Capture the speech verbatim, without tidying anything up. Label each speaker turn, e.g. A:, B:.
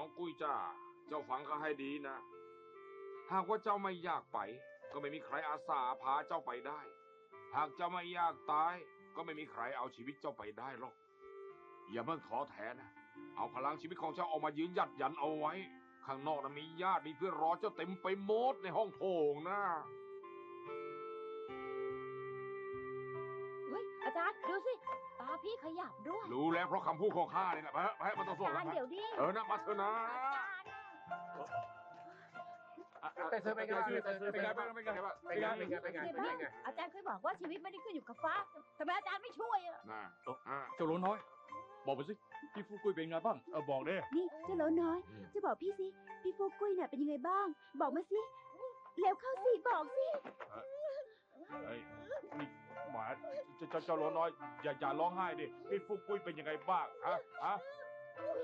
A: น้องกุ้ยจ้าเจ้าฟังข้าให้ดีนะหากว่าเจ้าไม่อยากไปก็ไม่มีใครอาสาพาเจ้าไปได้หากเจ้าไม่อยากตายก็ไม่มีใครเอาชีวิตเจ้าไปได้หรอกอย่าเพิ่งท้อแท้นะเอาพลังชีวิตของเจ้าออกมายืนหยัดยันเอาไว้ข้างนอกนะมีญาติมีเพื่อนรอเจ้าเต็มไปหมดในห้องโถงนะ
B: เฮ้ยอาจารย์ดูสิตาพี่ขยับด้วย
A: รู้แล้วเพราะคำพูดของข้านี่แหละไปเถอะไปเถอะมันต้องส่ง
B: อาจาร
A: แล้ว
B: ย์เดี๋ยวดิ
A: เออนะมาเถอะนะ
C: แต่เธอเป็นไงบ้างเธอเป็นไงบ้างเป็นไงบ้างเป็นไงเป็นไงเป็นไง
B: เดี๋ยว
C: เป็น
B: บ้าง
C: ไง
B: อาจารย์เคยบอกว่าชีวิตไม่ได้ขึ้นอยู่กับฟ้าทำไมอาจารย์ไม่ช่วยอ่ะ
A: นะอ่า
D: เจ้าหลวน้อย บอกไปสิพี่ฟูกุยเป็นไงบ้างเออบอกดิ
E: นี่เจ้าโหลน้อย จะบอกพี่สิ พี่ฟูกุ้ยน่ะเป็นยังไงบ้าง บอกมาสิ เร็วเข้าสิ บอกสิ
D: เฮ้ยนี่หมาเจ้าเจ้าหลวน้อยอย่าอย่าร้องไห้ดิพี่ฟูกุยเป็นยังไงบ้างฮะฮะ